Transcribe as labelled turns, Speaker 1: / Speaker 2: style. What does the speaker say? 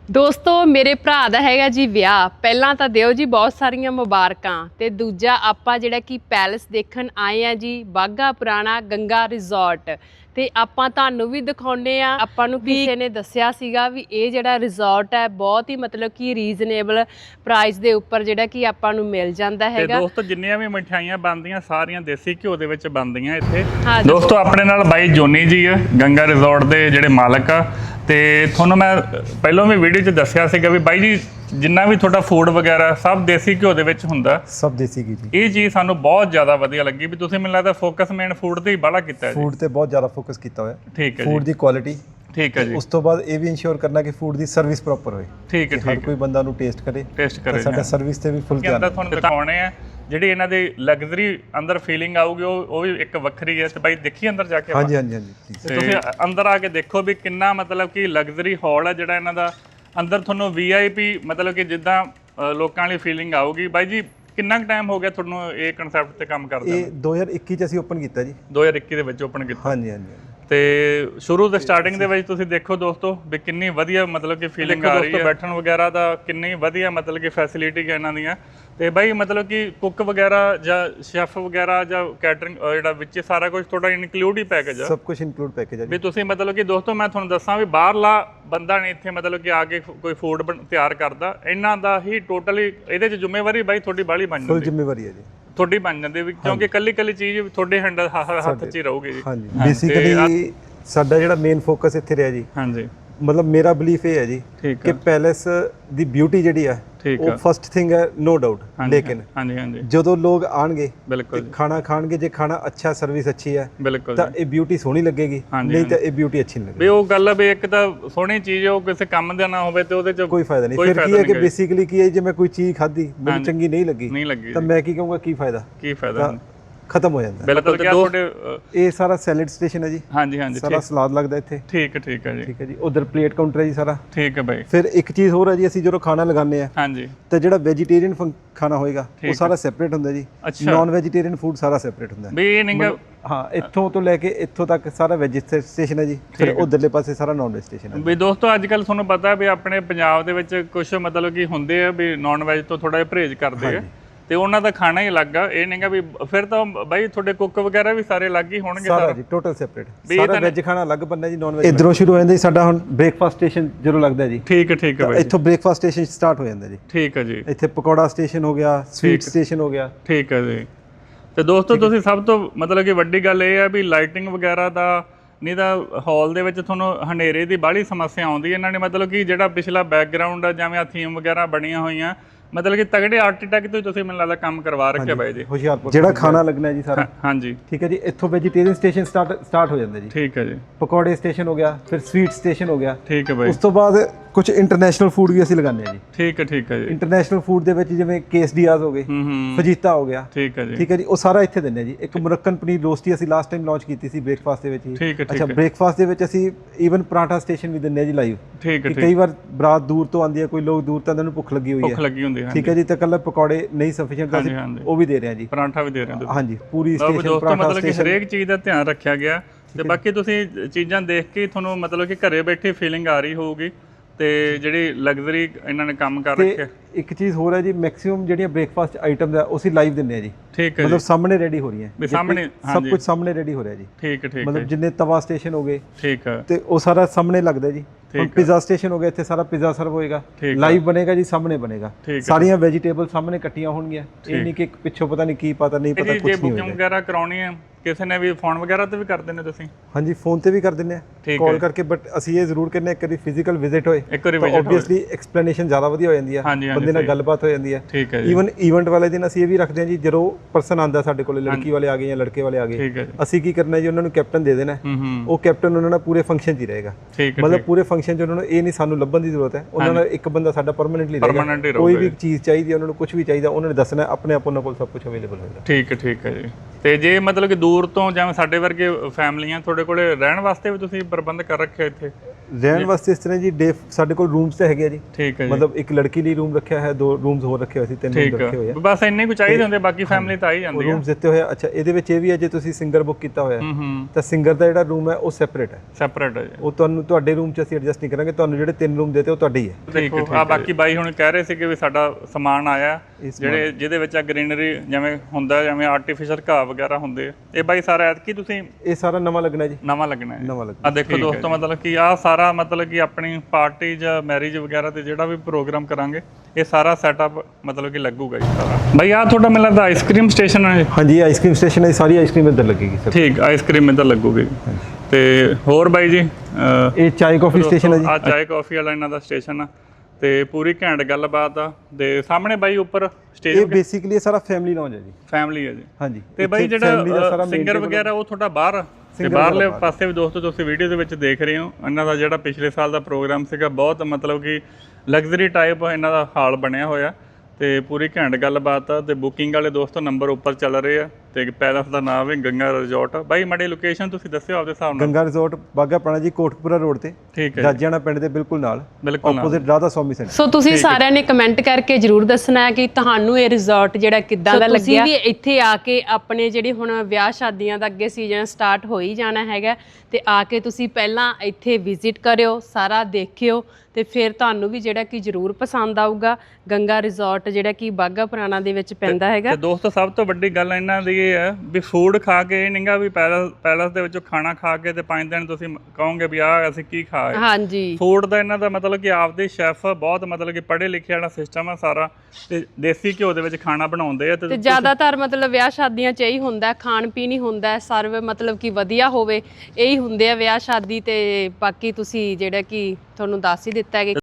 Speaker 1: ਦੋਸਤੋ ਮੇਰੇ ਭਰਾ ਦਾ ਹੈਗਾ ਜੀ ਵਿਆਹ। ਪਹਿਲਾਂ ਤਾਂ ਦਿਓ ਜੀ ਬਹੁਤ ਸਾਰੀਆਂ ਮੁਬਾਰਕਾਂ ਤੇ ਦੂਜਾ ਆਪਾਂ ਜਿਹੜਾ ਕਿ ਪੈਲਸ ਦੇਖਣ ਆਏ ਆ ਜੀ ਬਾਘਾ ਪੁਰਾਣਾ ਗੰਗਾ ਰਿਜ਼ੋਰਟ ਤੇ ਆਪਾਂ ਤੁਹਾਨੂੰ ਵੀ ਦਿਖਾਉਨੇ ਆ। ਆਪਾਂ ਨੂੰ ਕਿਸੇ ਨੇ ਦੱਸਿਆ ਸੀਗਾ ਵੀ ਇਹ ਜਿਹੜਾ ਰਿਜ਼ੋਰਟ ਹੈ ਬਹੁਤ ਹੀ ਮਤਲਬ ਕਿ ਰੀਜ਼ਨੇਬਲ ਪ੍ਰਾਈਸ ਦੇ ਉੱਪਰ ਜਿਹੜਾ ਕਿ ਆਪਾਂ ਨੂੰ ਮਿਲ ਜਾਂਦਾ ਹੈਗਾ।
Speaker 2: ਤੇ ਦੋਸਤੋ ਜਿੰਨੀਆਂ ਵੀ ਮਠਿਆਈਆਂ ਬਣਦੀਆਂ ਸਾਰੀਆਂ ਦੇਸੀ ਘਿਓ ਦੇ ਵਿੱਚ ਬਣਦੀਆਂ ਇੱਥੇ। ਦੋਸਤੋ ਆਪਣੇ ਨਾਲ ਬਾਈ ਜੋਨੀ ਜੀ ਆ ਗੰਗਾ ਰਿਜ਼ੋਰਟ ਦੇ ਜਿਹੜੇ ਮਾਲਕ ਆ। ਤੇ ਤੁਹਾਨੂੰ ਮੈਂ ਪਹਿਲਾਂ ਵੀ ਵੀਡੀਓ 'ਚ ਦੱਸਿਆ ਸੀਗਾ ਵੀ ਬਾਈ ਜੀ ਜਿੰਨਾ ਵੀ ਤੁਹਾਡਾ ਫੂਡ ਵਗੈਰਾ ਸਭ ਦੇਸੀ ਘਿਓ ਦੇ ਵਿੱਚ ਹੁੰਦਾ,
Speaker 3: ਸਭ ਦੇਸੀ ਘੀ ਜੀ।
Speaker 2: ਇਹ ਚੀਜ਼ ਸਾਨੂੰ ਬਹੁਤ ਜ਼ਿਆਦਾ ਵਧੀਆ ਲੱਗੀ ਵੀ ਤੁਸੀਂ ਮੈਨੂੰ ਲੱਗਦਾ ਫੋਕਸ ਮੇਨ ਫੂਡ ਤੇ ਹੀ ਬਾਹਲਾ ਕੀਤਾ ਹੈ।
Speaker 3: ਫੂਡ ਤੇ ਬਹੁਤ ਜ਼ਿਆਦਾ ਫੋਕਸ ਕੀਤਾ ਹੋਇਆ।
Speaker 2: ਠੀਕ ਹੈ ਜੀ।
Speaker 3: ਫੂਡ ਦੀ ਕੁਆਲਿਟੀ
Speaker 2: ਠੀਕ ਹੈ ਜੀ।
Speaker 3: ਉਸ ਤੋਂ ਬਾਅਦ ਇਹ ਵੀ ਇੰਸ਼ੋਰ ਕਰਨਾ ਕਿ ਫੂਡ ਦੀ ਸਰਵਿਸ ਪ੍ਰੋਪਰ ਹੋਏ।
Speaker 2: ਠੀਕ ਹੈ
Speaker 3: ਹਰ ਕੋਈ ਬੰਦਾ ਨੂੰ ਟੇਸਟ ਕਰੇ ਸਾਡਾ ਸਰਵਿਸ ਤੇ ਵੀ ਫੁੱਲ ਧਿਆਨ
Speaker 2: ਤੁਹਾਨੂੰ ਦਿਖਾਉਣੇ ਆ ਜਿਹੜੀ ਇਹਨਾਂ ਦੀ ਲਗਜ਼ਰੀ ਅੰਦਰ ਫੀਲਿੰਗ ਆਊਗੀ ਉਹ ਵੀ ਇੱਕ ਵੱਖਰੀ ਹੈ। ਤੇ ਬਾਈ ਦੇਖੀ ਅੰਦਰ ਜਾ ਕੇ।
Speaker 3: ਹਾਂਜੀ ਹਾਂਜੀ ਹਾਂਜੀ
Speaker 2: ਤੁਸੀਂ ਅੰਦਰ ਆ ਕੇ ਦੇਖੋ ਵੀ ਕਿੰਨਾ ਮਤਲਬ ਕਿ ਲਗਜ਼ਰੀ ਹਾਲ ਹੈ ਜਿਹੜਾ ਇਹਨਾਂ ਦਾ। ਅੰਦਰ ਤੁਹਾਨੂੰ VIP ਮਤਲਬ ਕਿ ਜਿੱਦਾਂ ਲੋਕਾਂ ਵਾਲੀ ਫੀਲਿੰਗ ਆਊਗੀ। ਬਾਈ ਜੀ ਕਿੰਨਾ ਕੁ ਟਾਈਮ ਹੋ ਗਿਆ ਤੁਹਾਨੂੰ ਇਹ ਕਨਸੈਪਟ ਤੇ ਕੰਮ ਕਰਦੇ?
Speaker 3: ਇਹ 2021 ਚ ਅਸੀਂ ਓਪਨ ਕੀਤਾ ਜੀ।
Speaker 2: 2021 ਦੇ ਵਿੱਚ ਓਪਨ ਕੀਤਾ।
Speaker 3: ਹਾਂਜੀ ਹਾਂਜੀ।
Speaker 2: ਤੇ ਸ਼ੁਰੂ ਦੇ ਸਟਾਰਟਿੰਗ ਦੇ ਵਿੱਚ ਤੁਸੀਂ ਦੇਖੋ ਦੋਸਤੋ ਵੀ ਕਿੰਨੀ ਵਧੀਆ ਮਤਲਬ ਕਿ ਫੀਲਿੰਗ ਆ ਰਹੀ ਹੈ। ਬੈਠਣ ਵਗੈਰਾ ਦਾ ਕਿੰਨੀ ਵਧੀਆ ਮਤਲਬ ਕਿ ਫੈਸਿਲਿਟੀ ਹੈ ਇਹਨਾਂ ਦੀਆਂ। ਤੇ ਬਾਈ ਮਤਲਬ ਕਿ ਕੁੱਕ ਵਗੈਰਾ ਜਾਂ ਸ਼ੈਫ ਵਗੈਰਾ ਜਾਂ ਕੈਟਰਿੰਗ ਜਿਹੜਾ ਵਿੱਚ ਸਾਰਾ ਕੁਝ ਤੁਹਾਡਾ ਇਨਕਲੂਡ ਹੀ ਪੈਕੇਜ ਆ?
Speaker 3: ਸਭ ਕੁਝ ਇਨਕਲੂਡ ਪੈਕੇਜ ਹੈ
Speaker 2: ਵੀ ਤੁਸੀਂ ਮਤਲਬ ਕਿ ਦੋਸਤੋ ਮੈਂ ਤੁਹਾਨੂੰ ਦੱਸਾਂ ਵੀ ਬਾਹਰਲਾ ਬੰਦਾ ਨਹੀਂ ਇੱਥੇ ਮਤਲਬ ਕਿ ਆ ਕੇ ਕੋਈ ਫੂਡ ਤਿਆਰ ਕਰਦਾ। ਇਹਨਾਂ ਦਾ ਹੀ ਟੋਟਲੀ ਇਹਦੇ 'ਚ ਜ਼ਿੰਮੇਵਾਰੀ ਬਾਈ ਤੁਹਾਡੀ ਬਾਹਲੀ ਬਣ ਜਾਂਦੀ।
Speaker 3: ਫੁੱਲ ਜ਼ਿੰਮੇਵਾਰੀ ਹੈ ਜੀ
Speaker 2: ਤੁਹਾਡੀ ਬਣ ਜਾਂਦੀ ਵੀ ਕਿਉਂਕਿ ਕੱਲੀ ਚੀਜ਼ ਤੁਹਾਡੇ ਹੱਥ 'ਚ ਹੀ ਰਹੂਗੀ ਜੀ।
Speaker 3: ਹਾਂਜੀ ਬੇਸਿਕਲੀ ਸਾਡਾ ਜਿਹੜਾ ਮੇਨ ਫੋਕਸ ਇੱਥੇ ਰਿਹਾ ਜੀ।
Speaker 2: ਹਾਂਜੀ
Speaker 3: ਮਤਲਬ ਮੇਰਾ ਬਲੀਫ ਇਹ ਹੈ ਜੀ ਕਿ ਪੈਲੇਸ ਦੀ ਬਿਊਟੀ ਜਿਹੜੀ ਆ ਉਹ ਫਸਟ ਥਿੰਗ ਹੈ ਨੋ ਡਾਊਟ। ਲੇਕਿਨ ਜਦੋਂ ਲੋਕ ਆਣਗੇ ਖਾਣਾ ਖਾਣਗੇ, ਜੇ ਖਾਣਾ ਅੱਛਾ ਸਰਵਿਸ ਅੱਛੀ ਹੈ ਤਾਂ ਇਹ ਬਿਊਟੀ ਸੋਹਣੀ ਲੱਗੇਗੀ, ਨਹੀਂ ਤਾਂ ਇਹ ਬਿਊਟੀ ਅੱਛੀ ਨਹੀਂ ਲੱਗੇਗੀ।
Speaker 2: ਵੀ ਉਹ ਗੱਲ ਹੈ ਵੀ ਇੱਕ ਤਾਂ ਸੋਹਣੀ ਚੀਜ਼ ਉਹ ਕਿਸੇ ਕੰਮ ਦਾ ਨਾ ਹੋਵੇ ਤੇ ਉਹਦੇ 'ਚ
Speaker 3: ਕੋਈ ਫਾਇਦਾ ਨਹੀਂ। ਫਿਰ ਕੀ ਹੈ ਕਿ ਬੇਸਿਕਲੀ ਕੀ ਹੈ ਜੇ ਮੈਂ ਕੋਈ ਚੀਜ਼ ਖਾਧੀ ਮੈਨੂੰ ਚੰਗੀ ਨਹੀਂ ਲੱਗੀ ਤਾਂ ਮੈਂ ਕੀ ਕਹੂੰਗਾ ਕੀ ਫਾਇਦਾ ਖਤਮ ਹੋ ਜਾਂਦਾ।
Speaker 2: ਬਿਲਕੁਲ।
Speaker 3: ਇਹ ਸਾਰਾ ਸੈਲਡ ਸਟੇਸ਼ਨ ਹੈ ਜੀ।
Speaker 2: ਹਾਂਜੀ ਹਾਂਜੀ।
Speaker 3: ਸਾਰਾ ਸਲਾਦ ਲੱਗਦਾ ਇੱਥੇ।
Speaker 2: ਠੀਕ ਹੈ ਜੀ।
Speaker 3: ਠੀਕ ਹੈ ਜੀ। ਉਧਰ ਪਲੇਟ ਕਾਊਂਟਰ ਹੈ ਜੀ ਸਾਰਾ।
Speaker 2: ਠੀਕ ਹੈ ਬਾਈ।
Speaker 3: ਫਿਰ ਇੱਕ ਚੀਜ਼ ਹੋਰ ਹੈ ਜੀ, ਅਸੀਂ ਜਦੋਂ ਖਾਣਾ ਲਗਾਉਂਦੇ ਆ
Speaker 2: ਹਾਂਜੀ
Speaker 3: ਤਾਂ ਜਿਹੜਾ ਵੈਜੀਟੇਰੀਅਨ ਖਾਣਾ ਹੋਏਗਾ ਉਹ ਸਾਰਾ ਸੈਪਰੇਟ ਹੁੰਦਾ ਜੀ। ਨਾਨ ਵੈਜੀਟੇਰੀਅਨ ਫੂਡ ਸਾਰਾ ਸੈਪਰੇਟ ਹੁੰਦਾ
Speaker 2: ਵੀ ਇਹ ਨਹੀਂ
Speaker 3: ਹਾਂ ਇੱਥੋਂ ਤੋਂ ਲੈ ਕੇ ਇੱਥੋਂ ਤੱਕ ਸਾਰਾ ਵੈਜ ਸਟੇਸ਼ਨ ਹੈ ਜੀ। ਫਿਰ ਉਧਰਲੇ ਪਾਸੇ ਸਾਰਾ ਨਾਨ ਵੈਜ ਸਟੇਸ਼ਨ ਹੈ।
Speaker 2: ਵੀ ਦੋਸਤੋ ਅੱਜ ਕੱਲ ਤੁਹਾਨੂੰ ਪਤਾ ਵੀ ਆਪਣੇ ਪੰਜਾਬ ਦੇ ਵਿੱਚ ਕੁਝ ਮਤਲਬ ਕਿ ਹੁੰਦੇ ਆ ਵੀ ਨਾਨ ਵੈਜ ਤੋਂ ਥੋੜਾ ਜਿਹਾ ਪਰਹੇਜ਼ ਕਰਦੇ ਆ ਤੇ ਉਹਨਾਂ ਦਾ ਖਾਣਾ ਹੀ ਅਲੱਗ ਆ। ਇਹ ਨਹੀਂਗਾ ਵੀ ਫਿਰ ਤਾਂ ਬਾਈ ਤੁਹਾਡੇ ਕੁੱਕ ਵਗੈਰਾ ਵੀ ਸਾਰੇ ਅਲੱਗ ਹੀ ਹੋਣਗੇ।
Speaker 3: ਸਾਰਾ ਜੀ ਟੋਟਲ ਸੈਪਰੇਟ। ਸਾਰਾ ਵੈਜ ਖਾਣਾ ਅਲੱਗ ਬੰਦਾ ਜੀ, ਨਾਨ ਵੈਜ ਇਧਰੋਂ ਸ਼ੁਰੂ ਹੋ ਜਾਂਦਾ ਜੀ। ਸਾਡਾ ਹੁਣ ਬ੍ਰੇਕਫਾਸਟ ਸਟੇਸ਼ਨ ਜਦੋਂ ਲੱਗਦਾ ਜੀ।
Speaker 2: ਠੀਕ ਹੈ ਬਾਈ।
Speaker 3: ਇੱਥੋਂ ਬ੍ਰੇਕਫਾਸਟ ਸਟੇਸ਼ਨ ਸਟਾਰਟ ਹੋ ਜਾਂਦਾ ਜੀ।
Speaker 2: ਠੀਕ ਹੈ ਜੀ।
Speaker 3: ਇੱਥੇ ਪਕੌੜਾ ਸਟੇਸ਼ਨ ਹੋ ਗਿਆ, ਸਵੀਟ ਸਟੇਸ਼ਨ ਹੋ ਗਿਆ।
Speaker 2: ਠੀਕ ਹੈ ਜੀ। ਤੇ ਦੋਸਤੋ ਤੁਸੀਂ ਸਭ ਤੋਂ ਮਤਲਬ ਕਿ ਵੱਡੀ ਗੱਲ ਇਹ ਆ ਵੀ ਲਾਈਟਿੰਗ ਵਗੈਰਾ ਦਾ ਨਹੀਂ ਤਾਂ ਹਾਲ ਦੇ ਵਿੱਚ ਤੁਹਾਨੂੰ ਹਨੇਰੇ ਦੀ ਬਾਹਲੀ ਸਮੱਸਿਆ ਆਉਂਦੀ ਹੈ। ਇਹਨਾਂ ਨੇ ਮਤਲਬ ਕਿ ਜਿਹੜਾ ਪਿਛਲਾ ਬੈਕਗਰਾਊਂਡ ਆ ਜਿਵੇਂ ਆ ਥੀਮ ਵਗੈਰਾ ਬਣੀਆਂ ਹੋਈਆਂ ਮਤਲਬ ਕਿ ਤਗੜੇ ਆਰਕੀਟੈਕਟ ਤੋਂ ਤੁਸੀਂ ਮੈਨੂੰ ਲੱਗਦਾ ਕੰਮ ਕਰਵਾ ਰੱਖਿਆ ਬਾਈ ਜੀ।
Speaker 3: ਹੁਸ਼ਿਆਰਪੁਰ ਜਿਹੜਾ ਖਾਣਾ ਲੱਗਣਾ ਜੀ ਸਾਰਾ।
Speaker 2: ਹਾਂਜੀ ਠੀਕ
Speaker 3: ਹੈ ਜੀ। ਇੱਥੋਂ ਵੈਜੀਟੇਰੀਅਨ ਸਟੇਸ਼ਨ ਸਟਾਰਟ ਹੋ ਜਾਂਦਾ ਜੀ।
Speaker 2: ਠੀਕ ਹੈ ਜੀ।
Speaker 3: ਪਕੌੜੇ ਸਟੇਸ਼ਨ ਹੋ ਗਿਆ, ਫਿਰ ਸਵੀਟ ਸਟੇਸ਼ਨ ਹੋ ਗਿਆ।
Speaker 2: ਠੀਕ ਹੈ ਬਾਈ।
Speaker 3: ਉਸ ਤੋਂ ਬਾਅਦ ਕੁਝ ਇੰਟਰਨੈਸ਼ਨਲ ਫੂਡ ਵੀ ਅਸੀਂ ਲਗਾਉਂਦੇ ਆ ਜੀ।
Speaker 2: ਠੀਕ ਹੈ ਜੀ।
Speaker 3: ਇੰਟਰਨੈਸ਼ਨਲ ਫੂਡ ਦੇ ਵਿੱਚ ਜਿਵੇਂ ਕੇਸਡੀਆਜ਼ ਹੋ ਗਏ, ਫਜੀਤਾ ਹੋ ਗਿਆ।
Speaker 2: ਠੀਕ ਹੈ ਜੀ।
Speaker 3: ਉਹ ਸਾਰਾ ਇੱਥੇ ਦਿੰਦੇ ਆ ਜੀ। ਇੱਕ ਮੁਰੱਕਨ ਪਨੀਰ ਰੋਸਟੀ ਅਸੀਂ ਲਾਸਟ ਟਾਈਮ ਲਾਂਚ ਕੀਤੀ ਸੀ ਬ੍ਰੇਕਫਾਸਟ ਦੇ ਵਿੱਚ ਹੀ। ਅੱਛਾ ਬ੍ਰੇਕਫਾਸਟ ਦੇ ਵਿੱਚ ਅਸੀਂ ਈਵਨ ਪਰਾਂਠਾ ਸਟੇਸ਼ਨ ਵੀ ਦਿੰਦੇ ਆ ਜੀ ਲਾਈਵ।
Speaker 2: ਠੀਕ ਹੈ।
Speaker 3: ਕਈ ਵਾਰ ਬਰਾਤ ਦੂਰ ਤੋਂ ਆਉਂਦੀ ਹੈ, ਕੋਈ ਲੋਕ ਦੂਰ ਤੋਂ ਨੂੰ ਭੁੱਖ ਲੱਗੀ ਹੋਈ ਹੈ। ਠੀਕ ਹੈ ਜੀ। ਤਾਂ ਕੱਲਾ ਪਕੌੜੇ ਨਹੀਂ ਸਫੀਸ਼ੀਐਂਟ ਅਸੀਂ ਉਹ ਵੀ ਦੇ ਰਹੇ ਹਾਂ ਜੀ।
Speaker 2: ਪਰਾਂਠਾ ਵੀ ਦੇ ਰਹੇ ਹਾਂ।
Speaker 3: ਹਾਂਜੀ ਪੂਰੀ ਸਟੇਸ਼ਨ
Speaker 2: ਪਰਾਂਠਾ ਮਤਲਬ ਕਿ ਹਰੇਕ ਚੀਜ਼ ਦਾ ਧਿਆਨ ਰੱਖਿਆ ਗਿਆ। ਤੇ ਬਾਕੀ ਤੁਸੀਂ ਚੀਜ਼ਾਂ ਦੇਖ ਕੇ ਤੁਹਾਨੂੰ ਮਤਲਬ ਕਿ ਘਰੇ ਬੈਠੇ ਫੀਲਿੰਗ ਆ ਰਹੀ ਹੋਊਗੀ ਤੇ ਜਿਹੜੀ ਲਗਜ਼ਰੀ ਇਹਨਾਂ ਨੇ ਕੰਮ ਕਰ ਰੱਖਿਆ।
Speaker 3: ਇੱਕ ਚੀਜ਼ ਹੋਰ ਹੈ ਜੀ, ਮੈਕਸਿਮਮ ਜਿਹੜੀਆਂ ਬ੍ਰੇਕਫਾਸਟ ਆਈਟਮਸ ਆ ਅਸੀਂ ਲਾਈਵ ਦਿੰਦੇ ਆ ਜੀ।
Speaker 2: ਠੀਕ ਹੈ।
Speaker 3: ਮਤਲਬ ਸਾਹਮਣੇ ਰੈਡੀ ਹੋ ਰਹੀਆਂ
Speaker 2: ਵੀ ਸਾਹਮਣੇ
Speaker 3: ਸਭ ਕੁਝ ਸਾਹਮਣੇ ਰੈਡੀ ਹੋ ਰਿਹਾ ਜੀ।
Speaker 2: ਠੀਕ ਹੈ।
Speaker 3: ਮਤਲਬ ਜਿੰਨੇ ਤਵਾ ਸਟੇਸ਼ਨ ਹੋ ਗਏ
Speaker 2: ਠੀਕ ਹੈ
Speaker 3: ਤੇ ਉਹ ਸਾਰਾ ਸਾਹਮਣੇ ਲੱਗਦਾ ਜੀ। ਹੁਣ ਪੀਜ਼ਾ ਸਟੇਸ਼ਨ ਹੋ ਗਿਆ, ਇੱਥੇ ਸਾਰਾ ਪੀਜ਼ਾ ਸਰਵ ਹੋਏਗਾ, ਲਾਈਵ ਬਣੇਗਾ ਜੀ, ਸਾਹਮਣੇ ਬਣੇਗਾ। ਸਾਰੀਆਂ ਵੈਜੀਟੇਬਲ ਸਾਹਮਣੇ ਕੱਟੀਆਂ ਹੋਣਗੀਆਂ। ਇਹ ਨਹੀਂ ਕਿ ਪਿੱਛੋਂ ਪਤਾ ਨਹੀਂ ਕੀ ਪਤਾ ਨਹੀਂ ਪਤਾ ਕੁਝ ਨਹੀਂ ਹੋਏਗਾ।
Speaker 2: ਬੁਕਿੰਗ ਵਗੈਰਾ ਕਰਾਉਣੀ ਹੈ ਕਿਸੇ ਨੇ ਵੀ ਫੋਨ ਵਗੈਰਾ ਤੇ ਵੀ ਕਰ ਦਿੰਦੇ ਤੁਸੀਂ?
Speaker 3: ਹਾਂਜੀ ਫੋਨ ਤੇ ਵੀ ਕਰ ਦਿੰਦੇ ਆ ਕਾਲ ਕਰਕੇ। ਬਟ ਅਸੀਂ ਇਹ ਜ਼ਰੂਰ ਕਹਿੰਦੇ ਇੱਕ ਵਾਰੀ ਫਿਜ਼ੀਕਲ ਵਿਜ਼ਿਟ ਹੋਏ ਤਾਂ ਆਬਵੀਅਸਲੀ ਐਕਸਪਲੇਨੇਸ਼ਨ ਜ਼ਿਆਦਾ ਵਧੀਆ ਹੋ ਜਾਂਦੀ ਆ, ਬੰਦੇ ਨਾਲ ਗੱਲਬਾਤ ਹੋ ਜਾਂਦੀ ਆ। ਈਵਨ ਇਵੈਂਟ ਵਾਲੇ ਦਿਨ ਅਸੀਂ ਇਹ ਵੀ ਰੱਖਦੇ ਹਾਂ ਜੀ, ਜਦੋਂ ਪਰਸਨ ਆਂਦਾ ਸਾਡੇ ਕੋਲੇ, ਲੜਕੀ ਵਾਲੇ ਆ ਗਏ ਜਾਂ ਲੜਕੇ ਵਾਲੇ ਆ ਗਏ, ਅਸੀਂ ਕੀ ਕਰਨਾ ਜੀ, ਉਹਨਾਂ ਨੂੰ ਕੈਪਟਨ ਦੇ ਦੇਣਾ। ਉਹ ਕੈਪਟਨ ਉਹਨਾਂ ਨਾਲ ਪੂਰੇ ਫੰਕਸ਼ਨ 'ਚ ਹੀ ਰਹੇਗਾ। ਮਤਲਬ ਪੂਰੇ ਫੰਕਸ਼ਨ 'ਚ ਉਹਨਾਂ ਨੂੰ ਇਹ ਨਹੀਂ ਸਾਨੂੰ ਲੱਭਣ ਦੀ ਜ਼ਰੂਰਤ ਹੈ, ਉਹਨਾਂ ਨਾਲ ਇੱਕ ਬੰਦਾ ਸਾਡਾ ਪਰਮਾਨੈਂਟਲੀ ਰਹੇਗਾ। ਕੋਈ ਵੀ ਚੀਜ਼ ਚਾਹੀਦੀ, ਉਹਨਾਂ ਨੂੰ ਕੁਝ ਵੀ ਚਾਹੀਦਾ, ਉਹਨਾਂ ਨੇ ਦੱਸਣਾ, ਆਪਣੇ ਆਪ ਉਹਨਾਂ ਕੋਲ ਸਭ ਕੁਝ ਅਵੇਲੇਬਲ ਹੋਏਗਾ।
Speaker 2: ਠੀਕ ਹੈ ਜੀ। ਤੇ ਜੇ ਮਤਲਬ ਕਿ ਦੂਰ ਤੋਂ ਜਿਵੇਂ ਸਾਡੇ ਵਰਗੇ ਫੈਮਲੀਆਂ ਤੁਹਾਡੇ ਕੋਲੇ ਰਹਿਣ ਵਾਸਤੇ ਵੀ ਤੁਸੀਂ ਪ੍ਰਬੰਧ ਕਰ ਰੱਖਿਆ ਇੱਥੇ?
Speaker 3: ਰਹਿਣ ਵਾਸਤੇ ਇਸ ਤਰ੍ਹਾਂ ਜੀ ਸਾਡੇ ਕੋਲ ਰੂਮਸ ਤਾਂ ਹੈਗੇ ਆ ਜੀ।
Speaker 2: ਠੀਕ ਹੈ ਜੀ।
Speaker 3: ਮਤਲਬ ਇੱਕ ਲੜਕੀ ਲਈ ਰੂਮ ਰੱਖਿਆ ਹੈ, 2 ਰੂਮਸ ਹੋਰ ਰੱਖੇ ਹੋਏ ਸੀ, 3 ਰੂਮ ਰੱਖੇ ਹੋਏ ਆ।
Speaker 2: ਬਸ ਇੰਨੇ ਕੁ ਚਾਹੀਦੇ ਹੁੰਦੇ, ਬਾਕੀ ਫੈਮਿਲੀ ਤਾਂ ਆ ਹੀ ਜਾਂਦੀ ਹੈ।
Speaker 3: ਰੂਮਸ ਦਿੱਤੇ ਹੋਏ ਆ। ਅੱਛਾ, ਇਹਦੇ ਵਿੱਚ ਇਹ ਵੀ ਹੈ ਜੇ ਤੁਸੀਂ ਸਿੰਗਰ ਬੁੱਕ ਕੀਤਾ ਹੋਇਆ ਤਾਂ ਸਿੰਗਰ ਦਾ ਜਿਹੜਾ ਰੂਮ ਹੈ ਉਹ ਸੈਪਰੇਟ ਹੈ।
Speaker 2: ਸੈਪਰੇਟ ਹੈ ਜੀ। ਉਹ
Speaker 3: ਤੁਹਾਨੂੰ ਤੁਹਾਡੇ ਰੂਮ 'ਚ ਅਸੀਂ ਐਡਜਸਟ ਨਹੀਂ ਕਰਾਂਗੇ, ਤੁਹਾਨੂੰ ਜਿਹੜੇ 3 ਰੂਮ ਦਿੱਤੇ ਉਹ ਤੁਹਾਡੇ ਹੀ ਹੈ।
Speaker 2: ਦੇਖੋ ਆ ਬਾਕੀ ਬਾਈ ਹੁਣ ਕਹਿ ਰਹੇ ਸੀ ਕਿ ਵੀ ਸਾਡਾ ਸਮਾਨ ਆਇਆ ਜਿਹਦੇ ਵਿੱਚ ਆ ਗ੍ਰੀਨਰੀ ਜਿਵੇਂ ਹੁੰਦਾ, ਜਿਵੇਂ ਆਰਟੀਫੀਸ਼ੀਅਲ ਘਾਹ ਵਗੈਰਾ ਹੁੰਦੇ ਆ, ਇਹ ਬਾਈ ਸਾਰਾ ਐਤਕੀ ਤੁਸੀਂ
Speaker 3: ਇਹ ਸਾਰਾ ਨਵਾਂ ਲੱਗਣਾ ਜੀ।
Speaker 2: ਨਵਾਂ ਲੱਗਣਾ ਹੈ।
Speaker 3: ਨਵਾਂ ਲੱਗਣਾ।
Speaker 2: ਆ ਦੇਖੋ ਦੋਸਤੋ, ਮਤਲਬ ਕਿ ਆ ਸਾਰਾ ਮਤਲਬ ਕਿ ਆਪਣੀ ਪਾਰਟੀ ਜਾਂ ਮੈਰਿਜ ਵਗੈਰਾ ਤੇ ਜਿਹੜਾ ਵੀ ਪ੍ਰੋਗਰਾਮ ਕਰਾਂਗੇ ਇਹ ਸਾਰਾ ਸੈਟਅਪ ਮਤਲਬ ਕਿ ਲੱਗੂਗਾ ਜੀ ਸਾਰਾ। ਬਾਈ ਆ ਤੁਹਾਡਾ ਮੈਨੂੰ ਲੱਗਦਾ ਆਈਸਕ੍ਰੀਮ ਸਟੇਸ਼ਨ ਹੈ?
Speaker 3: ਹਾਂਜੀ, ਆਈਸਕ੍ਰੀਮ ਸਟੇਸ਼ਨ ਹੈ, ਸਾਰੀ ਆਈਸਕ੍ਰੀਮ ਇੱਧਰ ਲੱਗੇਗੀ ਸਰ।
Speaker 2: ਠੀਕ, ਆਈਸਕ੍ਰੀਮ ਇੱਧਰ ਲੱਗੂਗੀ। ਤੇ ਹੋਰ ਬਾਈ ਜੀ
Speaker 3: ਇਹ ਚਾय ਕਾਫੀ ਸਟੇਸ਼ਨ ਹੈ ਜੀ।
Speaker 2: ਆ ਚਾय ਕਾਫੀ ਵਾਲਾ ਇਹਨਾਂ ਦਾ ਸਟੇਸ਼ਨ ਆ ਤੇ ਪੂਰੀ ਘੈਂਟ ਗੱਲਬਾਤ ਆ। ਤੇ ਸਾਹਮਣੇ ਬਾਈ ਉੱਪਰ ਸਟੇਜ
Speaker 3: ਇਹ ਬੇਸਿਕਲੀ ਸਾਰਾ ਫੈਮਿਲੀ ਲੌਂਜ ਹੈ ਜੀ।
Speaker 2: ਫੈਮਿਲੀ ਹੈ ਜੀ।
Speaker 3: ਹਾਂਜੀ।
Speaker 2: ਤੇ ਬਾਈ ਜਿਹੜਾ ਸਿੰਗਰ ਵਗੈਰਾ ਉਹ ਤੁਹਾਡਾ ਬਾਹਰ ਤੇ ਬਾਹਰਲੇ ਪਾਸੇ ਵੀ ਦੋਸਤੋ ਤੁਸੀਂ ਵੀਡੀਓ ਦੇ ਵਿੱਚ ਦੇਖ ਰਹੇ ਹੋ, ਇਹਨਾਂ ਦਾ ਜਿਹੜਾ ਪਿਛਲੇ ਸਾਲ ਦਾ ਪ੍ਰੋਗਰਾਮ ਸੀਗਾ ਬਹੁਤ ਮਤਲਬ ਕਿ ਲਗਜ਼ਰੀ ਟਾਈਪ ਇਹਨਾਂ ਦਾ ਹਾਲ ਬਣਿਆ ਹੋਇਆ ਤੇ ਪੂਰੀ ਘੈਂਟ ਗੱਲਬਾਤ ਆ। ਤੇ ਬੁਕਿੰਗ ਵਾਲੇ ਦੋਸਤੋ ਨੰਬਰ ਉੱਪਰ ਚੱਲ ਰਹੇ ਆ ਤੇ ਪੈਲਸ ਦਾ ਨਾਮ ਹੈ ਗੰਗਾ ਰਿਜ਼ੋਰਟ। ਬਾਈ ਮਾੜੀ ਲੋਕੇਸ਼ਨ ਤੁਸੀਂ ਦੱਸਿਓ ਆਪਦੇ ਹਿਸਾਬ ਨਾਲ।
Speaker 3: ਗੰਗਾ ਰਿਜ਼ੋਰਟ ਬਾਗਾ ਪੁਰਾਣਾ ਜੀ, ਕੋਟਕਪੂਰਾ ਰੋਡ ਤੇ। ਠੀਕ ਹੈ। ਜਾਜਿਆਣਾ ਪਿੰਡ ਦੇ ਬਿਲਕੁਲ ਨਾਲ, opposite Radha Swami centre.
Speaker 1: So ਤੁਸੀਂ ਸਾਰਿਆਂ ਨੇ ਕਮੈਂਟ ਕਰਕੇ ਜਰੂਰ ਦੱਸਣਾ ਹੈ ਕਿ ਤੁਹਾਨੂੰ ਇਹ ਰਿਜ਼ੋਰਟ ਜਿਹੜਾ ਕਿੱਦਾਂ ਦਾ ਲੱਗਿਆ। ਤੁਸੀਂ ਵੀ ਇੱਥੇ ਆ ਕੇ ਆਪਣੇ ਜਿਹੜੇ ਹੁਣ ਵਿਆਹ ਸ਼ਾਦੀਆਂ ਦਾ ਅੱਗੇ ਸੀਜ਼ਨ ਸਟਾਰਟ ਹੋ ਹੀ ਜਾਣਾ ਹੈਗਾ ਤੇ ਆ ਕੇ ਤੁਸੀਂ ਪਹਿਲਾਂ ਇੱਥੇ ਵਿਜ਼ਿਟ ਕਰਿਓ, ਸਾਰਾ ਦੇਖਿਓ ਤੇ ਫਿਰ ਤੁਹਾਨੂੰ ਵੀ ਜਿਹੜਾ ਕਿ ਜ਼ਰੂਰ ਪਸੰਦ ਆਊਗਾ। ਗੰਗਾ ਰਿਜ਼ੋਰਟ ਜਿਹੜਾ ਕਿ ਬਾਗਾ ਪੁਰਾਣਾ ਦੇ ਵਿੱਚ ਪੈਂਦਾ ਹੈਗਾ।
Speaker 2: ਤੇ ਦੋਸਤੋ ਸਭ ਤੋਂ ਵੱਡੀ ਗੱਲ ਇਹਨਾਂ ਦੀ ਇਹ ਹੈ ਵੀ ਫੂਡ ਖਾ ਕੇ ਇਹ ਨਹੀਂਗਾ ਵੀ ਪੈਲਸ ਦੇ ਵਿੱਚੋਂ ਖਾਣਾ ਖਾ ਕੇ ਤੇ 5 ਦਿਨ ਤੁਸੀਂ ਕਹੋਗੇ ਵੀ ਆਹ ਅਸੀਂ ਕੀ ਖਾਇਆ।
Speaker 1: ਹਾਂਜੀ, ਫੂਡ
Speaker 2: ਦਾ ਇਹਨਾਂ ਦਾ ਮਤਲਬ ਕਿ ਆਪਦੇ ਸ਼ੈਫ ਬਹੁਤ ਮਤਲਬ ਕਿ ਪੜ੍ਹੇ ਲਿਖੇ ਵਾਲਾ ਸਿਸਟਮ ਆ ਸਾਰਾ ਤੇ ਦੇਸੀ ਘਿਓ ਦੇ ਵਿੱਚ ਖਾਣਾ ਬਣਾਉਂਦੇ ਆ। ਤੇ ਜ਼ਿਆਦਾਤਰ ਮਤਲਬ ਵਿਆਹ ਸ਼ਾਦੀਆਂ 'ਚ ਇਹੀ ਹੁੰਦਾ, ਖਾਣ ਪੀਣ ਹੀ ਹੁੰਦਾ, ਸਰਵ ਮਤਲਬ ਕਿ ਵਧੀਆ ਹੋਵੇ, ਇਹੀ ਹੁੰਦੇ ਆ ਵਿਆਹ ਸ਼ਾਦੀ। ਤੇ ਬਾਕੀ ਤੁਸੀਂ ਜਿਹੜਾ ਕਿ ਤੁਹਾਨੂੰ ਦੱਸ ਹੀ ਦਿੱਤਾ ਹੈ ਕਿ